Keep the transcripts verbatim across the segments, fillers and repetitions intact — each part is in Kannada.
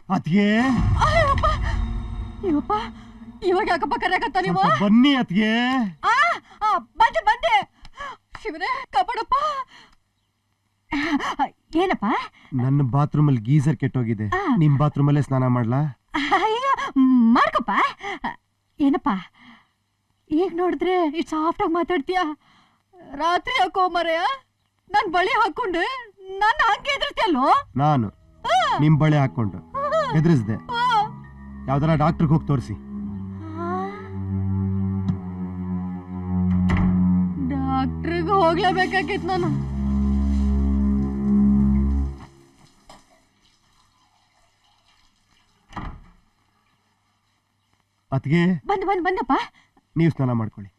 ಅತ್ಗೆ ಇವಪ್ಪ ಇವಾಗ ಯಾಕಪ್ಪ ಕರೆಯಕತ್ತ ನೀವು? ಬನ್ನಿ ಅತ್ಗೆ. ಬಂದೆ ಬಂದೆ. ಶಿವನೇ ಕಾಪಾಡಪ್ಪ. ಏನಪ್ಪ? ನನ್ನ ಬಾತ್ರೂಮ್ ಅಲ್ಲಿ ಗೀಸರ್ ಕೆಟ್ಟೋಗಿದೆ, ನಿಮ್ ಬಾತ್ರೂಮ್ ಅಲ್ಲೇ ಸ್ನಾನ ಮಾಡ್ಲಾ? ಅಯ್ಯೋ ಮಾಡ್ಕಪ್ಪ. ಏನಪ್ಪ ಈಗ ನೋಡಿದ್ರೆ ಇಷ್ಟು ಸಾಫ್ಟ್ ಆಗಿ ಮಾತಾಡ್ತೀಯ, ರಾತ್ರಿ ಹಾಕೋ ಮರೆಯ ನನ್ ಬಳಿ ಹಾಕೊಂಡು ನನ್ನ ಹಂಗೆ ಎದುರ್ತಿಯಲ್ಲೋ? ನಾನು ನಿಮ್ ಬಳೆ ಹಾಕೊಂಡು ಎದುರಿಸ್ದೆ. ಯಾವ್ದಾರ ಡಾಕ್ಟರ್ಗೆ ಹೋಗಿ ತೋರಿಸಿ. ಡಾಕ್ಟ್ರಿಗೆ ಹೋಗ್ಲೇಬೇಕಾಗಿತ್ತು ನಾನು. ಅತ್ಗೆ ಬಂದು ಬಂದು ಬಂದಪ್ಪ. ನೀವು ಸ್ನಾನ ಮಾಡ್ಕೊಳ್ಳಿ.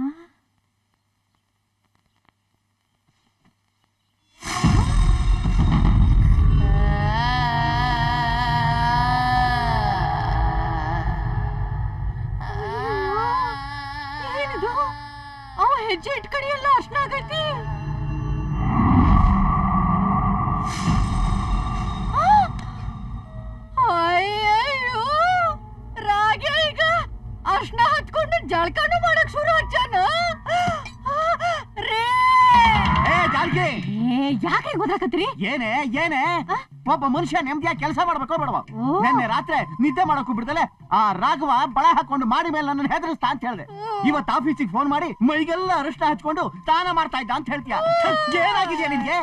ಏನಿದು? ಅವ ಹೆಜ್ಜೆ ಇಟ್ಕಡಿಯಲ್ಲ ಅಷ್ಟಾಗೈತಿ. ಅಯ್ಯಯ್ಯೋ ರಾಗ ಈಗ ಅರ್ಶನ ಹತ್ಕೊಂಡು ಜಳಕನು ಮಾಡಕ್ ಶುರು ಹಚ್ಚಾನ. ಯಾಕೆ ಗೊತ್ತಾಕತ್ರಿ? ಏನೇ ಏನೇ ಒಬ್ಬ ಮನುಷ್ಯ ನೆಮ್ಮದಿಯಾಗಿ ಕೆಲಸ ಮಾಡ್ಬೇಕೋ ಬೇಡವ? ನಿನ್ನೆ ರಾತ್ರಿ ನಿದ್ದೆ ಮಾಡಕ್ಕೂ ಬಿಡ್ದಲೆ ಆ ರಾಘವ ಬಳೆ ಹಾಕೊಂಡು ಮಾಡಿ ಮೇಲೆ ನನ್ನ ಹೆದರಿಸ್ತಾ ಅಂತ ಹೇಳ್ದೆ. ಇವತ್ತು ಆಫೀಸಿಗೆ ಫೋನ್ ಮಾಡಿ ಮೈಗೆಲ್ಲ ಅರಿಷ್ಟ ಹಚ್ಕೊಂಡು ಸ್ನಾನ ಮಾಡ್ತಾ ಇದ್ದ ಅಂತ ಹೇಳ್ತೀಯ. ಏನಾಗಿದ್ಯಾ ನಿನ್ಗೆ?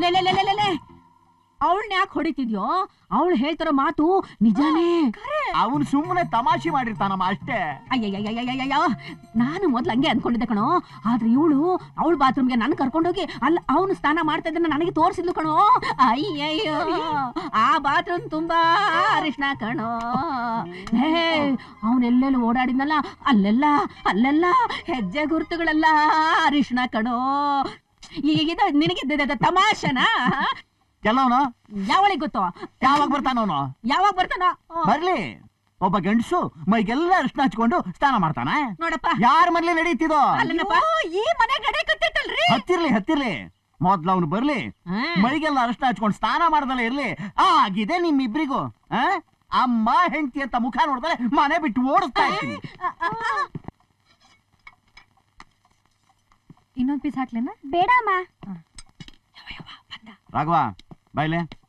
ಅವಳನ್ನ ಯಾಕೆ ಹೊಡಿತಿದ್ಯೋ? ಅವಳು ಹೇಳ್ತಾರೋ ಮಾತು ನಿಜಾನೇ. ಅವನು ಸುಮ್ಮನೆ ತಮಾಷೆ ಮಾಡಿರ್ತಾನಮ್ಮ ಅಷ್ಟೇ. ಅಯ್ಯಯ್ಯಯ್ಯಯ್ಯಯ್ಯ ನಾನು ಮೊದ್ಲು ಹಂಗೆ ಅನ್ಕೊಂಡಿದ್ದೆ ಕಣೋ. ಆದ್ರೆ ಇವಳು ಅವಳ ಬಾತ್ರೂಮ್ಗೆ ನಾನು ಕರ್ಕೊಂಡೋಗಿ ಅಲ್ಲ ಅವನು ಸ್ನಾನ ಮಾಡ್ತಾ ಇದ್ದನ್ನ ನನಗೆ ತೋರಿಸಿದ್ಲು ಕಣೋ. ಅಯ್ಯಯ್ಯೋ ಆ ಬಾತ್ರೂಮ್ ತುಂಬಾ ಅರಿಶಿನ ಕಣೋ. ಹೇ ಅವನೆಲ್ಲೆಲ್ಲ ಓಡಾಡಿದ್ನಲ್ಲ ಅಲ್ಲೆಲ್ಲ ಅಲ್ಲೆಲ್ಲ ಹೆಜ್ಜೆ ಗುರುತುಗಳೆಲ್ಲ ಅರಿಶಿನ ಕಣೋ. ಈಗ ನಿನಗೆ ತಮಾಷೆನಾ? ಎಲ್ಲವನು ಯಾವಳಿಗೆ ಗೊತ್ತು? ಯಾವಾಗ ಬರ್ತಾನವನು? ಯಾವಾಗ ಬರ್ತಾನ? ಬರ್ಲಿ. ಒಬ್ಬ ಗಂಡಸು ಮೈಗೆಲ್ಲ ಅರಿಶಿನ ಹಚ್ಕೊಂಡು ಸ್ನಾನ ಮಾಡ್ತಾನ ನೋಡಪ್ಪ. ಯಾರ ಮನೇಲಿ ನಡೀತಿದೋ? ಈ ಮನೆ ನಡೀಕತ್ತೈತಲ್ರಿ. ಹತ್ತಿರ್ಲಿ ಹತ್ತಿರ್ಲಿ ಮೊದ್ಲು ಅವ್ನು ಬರ್ಲಿ, ಮೈಗೆಲ್ಲ ಅರಿಶಿನ ಹಚ್ಕೊಂಡು ಸ್ನಾನ ಮಾಡ್ದಲ್ಲ ಇರ್ಲಿ. ಆಗಿದೆ ನಿಮ್ಮಿಬ್ರಿಗೂ. ಅಮ್ಮ ಹೆಂಡತಿ ಅಂತ ಮುಖ ನೋಡ್ದಲೆ ಮನೆ ಬಿಟ್ಟು ಓಡಿಸ್ತಾ ಇರ್ತೀನಿ. ಇನ್ನೊಂದ್ ಪೀಸ್ ಹಾಕ್ಲೇನ? ಬೇಡಮ್ಮ. ರಾಘವ ಬಾಯ್ಲೆ.